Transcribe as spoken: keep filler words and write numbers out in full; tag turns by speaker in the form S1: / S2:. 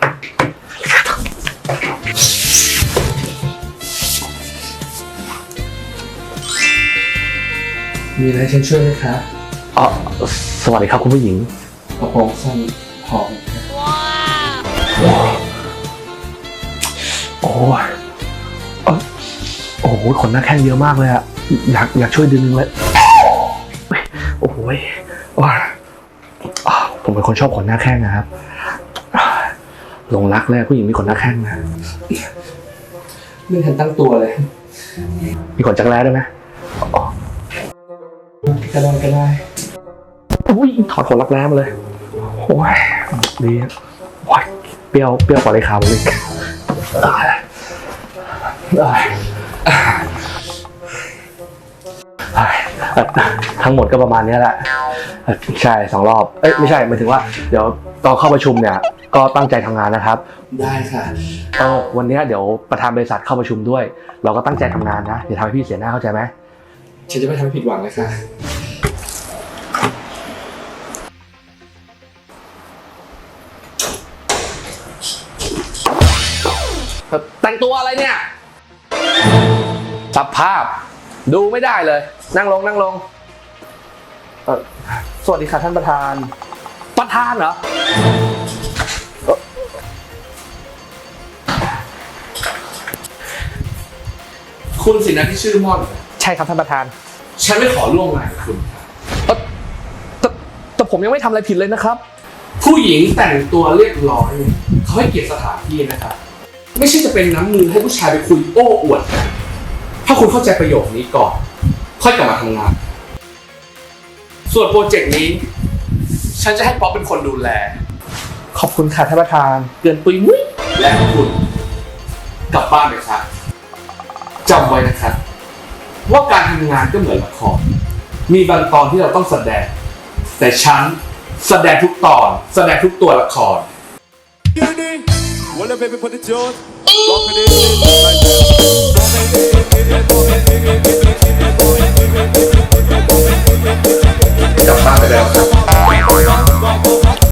S1: มีอะไรฉันช่วยไหมคะ
S2: อ๋อสวัสดีครับคุณผู้หญิง
S1: กระโปรงสั้นผอม
S2: ว้าวโอ้ยโอ้โหขนหน้าแข้งเยอะมากเลยอะอยากอยากช่วยดึงเลยโอ้โหผมเป็นคนชอบขนหน้าแข้งนะครับหลงรักเลยผู้หญิงมีขนหน้าแข้งนะ
S1: ไม่ทันตั้งตัวเลย
S2: มีขนจักรแร้ด้วยไหม
S1: ก็ได้ก็ได้
S2: อุ้ยถอดขนรักแร้มาเลยโอ้ยดีโอ้ยเปรี้ยวเปรี้ยวกว่าเลยครับเลยทั้งหมดก็ประมาณนี้แหละใช่สองรอบเอ้ยไม่ใช่หมายถึงว่าเดี๋ยวตอนเข้าประชุมเนี่ยก็ตั้งใจทำงานนะครับ
S1: ได้ค่ะ
S2: เออวันนี้เดี๋ยวประธานบริษัทเข้าประชุมด้วยเราก็ตั้งใจทำงานนะอย่าทำให้พี่เสียหน้าเข้าใจไหม
S1: ฉันจะไม่ทำให้ผิดหวังนะคะ
S2: แต่งตัวอะไรเนี่ยสภาพดูไม่ได้เลยนั่งลงนั่งลงเออสวัสดีค่ะท่านประธานประธานเหรอ
S1: คุณสินะที่ชื่อม่อน
S2: ใช่ครับท่านประธาน
S1: ฉันไม่ขอร่วมงานกับคุณ
S2: แต่แต่ผมยังไม่ทำอะไรผิดเลยนะครับ
S1: ผู้หญิงแต่งตัวเรียบร้อยเขาให้เกียรติสถานที่นะครับไม่ใช่จะเป็นน้ำมือให้ผู้ชายไปคุยโอ้อวดกันถ้าคุณเข้าใจประโยคนี้ก่อนค่อยกลับมาทำงานส่วนโปรเจกต์นี้ฉันจะให้ป๊อปเป็นคนดูแล
S2: ขอบคุณค่ะท่านประธาน
S1: เกินปุยมุ้ยและคุณกลับบ้านไปครับจำไว้นะครับว่าการทำงานก็เหมือนละครมีบางตอนที่เราต้องแสดงแต่ฉันแสดงทุกตอนแสดงทุกตัวละครWell, baby, put it on. Rock it in, like that.